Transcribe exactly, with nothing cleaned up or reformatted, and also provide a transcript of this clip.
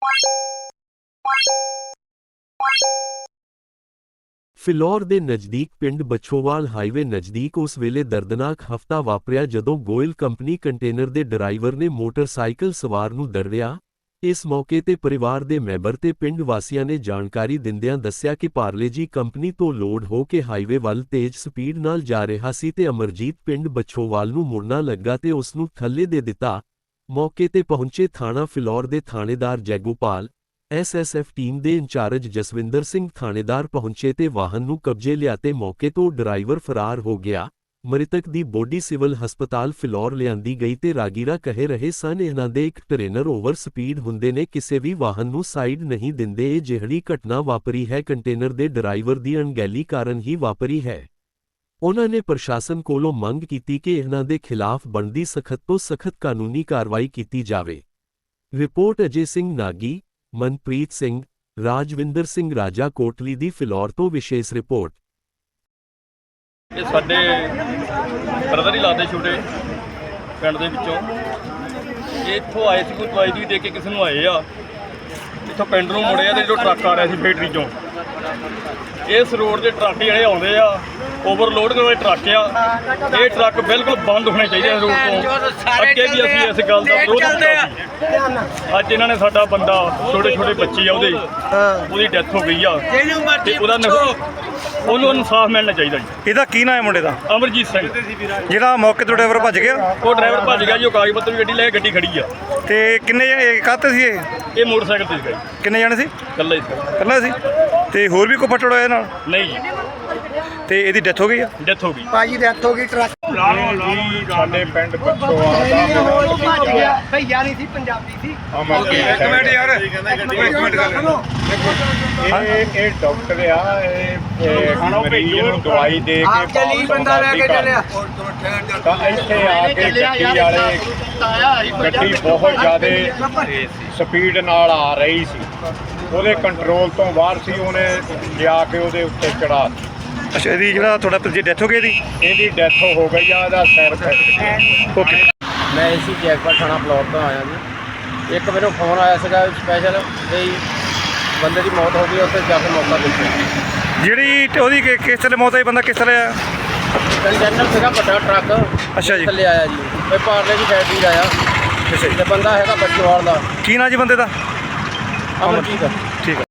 ਫਿਲੌਰ ਦੇ ਨਜ਼ਦੀਕ ਪਿੰਡ ਬਛੋਵਾਲ ਹਾਈਵੇ ਨਜ਼ਦੀਕ ਉਸ ਵੇਲੇ ਦਰਦਨਾਕ ਹਫ਼ਤਾ ਵਾਪਰਿਆ ਜਦੋਂ ਗੋਇਲ ਕੰਪਨੀ ਕੰਟੇਨਰ ਦੇ ਡਰਾਈਵਰ ਨੇ ਮੋਟਰਸਾਈਕਲ ਸਵਾਰ ਨੂੰ ਦਰੜਿਆ। ਇਸ ਮੌਕੇ ਤੇ ਪਰਿਵਾਰ ਦੇ ਮੈਂਬਰ ਤੇ ਪਿੰਡ ਵਾਸੀਆਂ ਨੇ ਜਾਣਕਾਰੀ ਦਿੰਦਿਆਂ ਦੱਸਿਆ ਕਿ ਪਾਰਲੇਜੀ ਕੰਪਨੀ ਤੋਂ ਲੋਡ ਹੋ ਕੇ ਹਾਈਵੇ ਵੱਲ ਤੇਜ਼ ਸਪੀਡ ਨਾਲ ਜਾ ਰਿਹਾ ਸੀ ਤੇ ਅਮਰਜੀਤ ਪਿੰਡ ਬਛੋਵਾਲ ਨੂੰ ਮੁੜਨਾ ਲੱਗਾ ਤੇ ਉਸ ਨੂੰ ਥੱਲੇ ਦੇ ਦਿੱਤਾ। ਮੌਕੇ ਤੇ ਪਹੁੰਚੇ ਥਾਣਾ ਫਿਲੌਰ ਦੇ ਥਾਣੇਦਾਰ Jaigopal, S S F team ਦੇ ਇੰਚਾਰਜ ਜਸਵਿੰਦਰ ਸਿੰਘ ਥਾਣੇਦਾਰ ਪਹੁੰਚੇ ਤੇ ਵਾਹਨ ਨੂੰ ਕਬਜ਼ੇ ਲਿਆ ਤੇ ਮੌਕੇ ਤੋਂ ਡਰਾਈਵਰ ਫਰਾਰ ਹੋ ਗਿਆ। ਮ੍ਰਿਤਕ ਦੀ ਬੋਡੀ ਸਿਵਲ ਹਸਪਤਾਲ ਫਿਲੌਰ ਲਿਆਂਦੀ ਗਈ ਤੇ ਰਾਗੀਰਾ ਕਹਿ ਰਹੇ ਸਨ ਇਹਨਾਂ ਦੇ ਇੱਕ ਟ੍ਰੇਨਰ ਓਵਰ ਸਪੀਡ ਹੁੰਦੇ ਨੇ ਕਿਸੇ ਵੀ ਵਾਹਨ ਨੂੰ ਸਾਈਡ ਨਹੀਂ ਦਿੰਦੇ। ਇਹ ਜਿਹੜੀ ਘਟਨਾ ਵਾਪਰੀ ਹੈ ਕੰਟੇਨਰ ਦੇ ਡਰਾਈਵਰ ਦੀ ਅਣਗਹਿਲੀ ਕਾਰਨ ਹੀ ਵਾਪਰੀ ਹੈ। ਉਨ੍ਹਾਂ ਨੇ ਪ੍ਰਸ਼ਾਸਨ ਕੋਲੋਂ ਮੰਗ ਕੀਤੀ ਕਿ ਇਹਨਾਂ ਦੇ ਖਿਲਾਫ ਬਣਦੀ ਸਖਤ ਤੋਂ ਸਖਤ ਕਾਨੂੰਨੀ ਕਾਰਵਾਈ ਕੀਤੀ ਜਾਵੇ। ਰਿਪੋਰਟ ਅਜੇ ਸਿੰਘ ਨਾਗੀ, ਮਨਪ੍ਰੀਤ ਸਿੰਘ, ਰਾਜਵਿੰਦਰ ਸਿੰਘ ਰਾਜਾ ਕੋਟਲੀ ਦੀ ਫਿਲੌਰ ਤੋਂ ਵਿਸ਼ੇਸ਼ ਰਿਪੋਰਟ। ਇਹ ਸਾਡੇ ਬ੍ਰਦਰ ਹੀ ਲਾਦੇ ਛੋਟੇ ਪਿੰਡ ਦੇ ਵਿੱਚੋਂ ਇਹ ਇੱਥੋਂ ਆਏ ਸੀ, ਕੋਈ ਦਵਾਈ ਦੀ ਦੇ ਕੇ ਕਿਸੇ ਨੂੰ ਆਏ ਆ, ਇੱਥੋਂ ਪਿੰਡ ਨੂੰ ਮੁੜੇ ਆ ਤੇ ਜੋ ਟਰੱਕ ਆ ਰਿਹਾ ਸੀ ਫੈਕਟਰੀ ਚੋਂ, ਇਸ ਰੋਡ ਦੇ ਟਰੱਕ ਜਿਹੜੇ ਆਉਂਦੇ ਆ ਓਵਰਲੋਡ ਵਾਲੇ ਟਰੱਕ ਆ, ਇਹ ਟਰੱਕ ਬਿਲਕੁਲ ਬੰਦ ਹੋਣੇ ਚਾਹੀਦੇ ਇਸ ਰੋਡ ਤੋਂ। ਅੱਗੇ ਵੀ ਅਸੀਂ ਇਸ ਗੱਲ ਦਾ ਵਿਰੋਧ ਕੀਤਾ ਸੀ। ਅੱਜ ਇਹਨਾਂ ਨੇ ਸਾਡਾ ਬੰਦਾ, ਛੋਟੇ ਛੋਟੇ ਬੱਚੇ ਆ ਉਹਦੇ, ਉਹਦੀ ਡੈਥ ਹੋ ਗਈ ਆ ਤੇ ਉਹਦਾ ਉਹਨੂੰ ਇਨਸਾਫ ਮਿਲਣਾ ਚਾਹੀਦਾ ਜੀ। ਇਹਦਾ ਕੀ ਨਾਮ ਹੈ ਮੁੰਡੇ ਦਾ? ਅਮਰਜੀਤ ਸਿੰਘ। ਜਿਹੜਾ ਮੌਕੇ ਤੋਂ ਡਰਾਈਵਰ ਭੱਜ ਗਿਆ? ਉਹ ਡਰਾਈਵਰ ਭੱਜ ਗਿਆ ਜੀ, ਉਹ ਕਾਗਜ਼ ਪੱਤਰ ਵੀ ਗੱਡੀ ਲੈ ਕੇ ਗੱਡੀ ਖੜੀ ਆ। ਤੇ ਕਿੰਨੇ ਕਾਹਤੇ ਸੀ ਇਹ? ਇਹ ਮੋਟਰਸਾਈਕਲ ਤੇ ਸੀਗਾ ਜੀ। ਕਿੰਨੇ ਜਾਣੇ ਸੀ? ਇਕੱਲਾ ਹੀ ਸੀ। ਇਕੱਲਾ ਸੀ? ਤੇ ਹੋਰ ਵੀ ਕੋਈ ਫੱਟੜ ਹੋਇਆ ਨਾਲ? ਨਹੀਂ ਜੀ। ਤੇ ਇਹਦੀ ਡੈਥ ਹੋ ਗਈ ਆ? ਡੈਥ ਹੋ ਗਈ ਭਾਜੀ, ਡੈਥ ਹੋ ਗਈ। ਟਰੱਕ ਜੀ ਸਾਡੇ ਪਿੰਡ ਬਛੋਵਾਲ ਦਾ ਭੱਜ ਗਿਆ। ਭਈਆ ਨਹੀਂ ਸੀ, ਪੰਜਾਬੀ ਸੀ। ਇੱਕ ਮਿੰਟ ਯਾਰ, ਇੱਕ ਮਿੰਟ ਗੱਲ। ਇਹ ਇਹ ਡਾਕਟਰ ਆ, ਇਹ ਮਰੀਜ਼ ਨੂੰ ਦਵਾਈ ਦੇ ਕੇ ਚਲੀ ਬੰਦਾ ਲੈ ਕੇ ਚੱਲਿਆ ਤਾਂ ਇੱਥੇ ਆ ਕੇ ਗੱਡੀ ਵਾਲੇ ਗੱਡੀ ਬਹੁਤ ਜ਼ਿਆਦਾ ਸਪੀਡ ਨਾਲ ਆ ਰਹੀ ਸੀ, ਉਹਦੇ ਕੰਟਰੋਲ ਤੋਂ ਬਾਹਰ ਸੀ, ਉਹਨੇ ਜਾ ਕੇ ਉਹਦੇ ਉੱਤੇ ਚੜਾ। ਅੱਛਾ, ਇਹਦੀ ਜਿਹੜਾ ਤੁਹਾਡਾ ਜੀ ਡੈਥ ਹੋ ਗਈ ਇਹਦੀ? ਇਹਦੀ ਡੈਥ ਹੋ ਗਈ ਆ, ਇਹਦਾ ਸਿਰ ਫੈਕਟ। ਓਕੇ। ਮੈਂ ਇਸੀ ਜੈਕਪਾਟ ਥਾਣਾ ਫਿਲੌਰ ਤੋਂ ਆਇਆ ਜੀ। ਇੱਕ ਮੈਨੂੰ ਫੋਨ ਆਇਆ ਸੀਗਾ ਸਪੈਸ਼ਲ ਵੀ ਬੰਦੇ ਦੀ ਮੌਤ ਹੋ ਗਈ, ਉੱਥੇ ਜਾ ਕੇ ਮੌਕਾ ਦੇਖਿਆ। ਜਿਹੜੀ ਉਹਦੀ ਕਿ- ਕਿਸ ਤਰ੍ਹਾਂ ਮੌਤ ਹੋਈ? ਬੰਦਾ ਕਿਸ ਤਰ੍ਹਾਂ ਆਇਆ? ਕੰਟੇਨਰ ਸੀਗਾ ਵੱਡਾ ਟਰੱਕ, ਅੱਛਾ ਜੀ। ਥੱਲੇ ਆਇਆ ਜੀ, ਕੋਈ ਪਾਰਲੇ ਦੀ ਫੈਕਟਰੀ ਦਾ ਆਇਆ ਅੱਛਾ ਜੀ। ਤੇ ਬੰਦਾ ਹੈਗਾ ਬੱਚੋਵਾਲ ਦਾ। ਕੀ ਨਾਂ ਜੀ ਬੰਦੇ ਦਾ? ਅਮਰਜੀਤ। ਠੀਕ ਹੈ।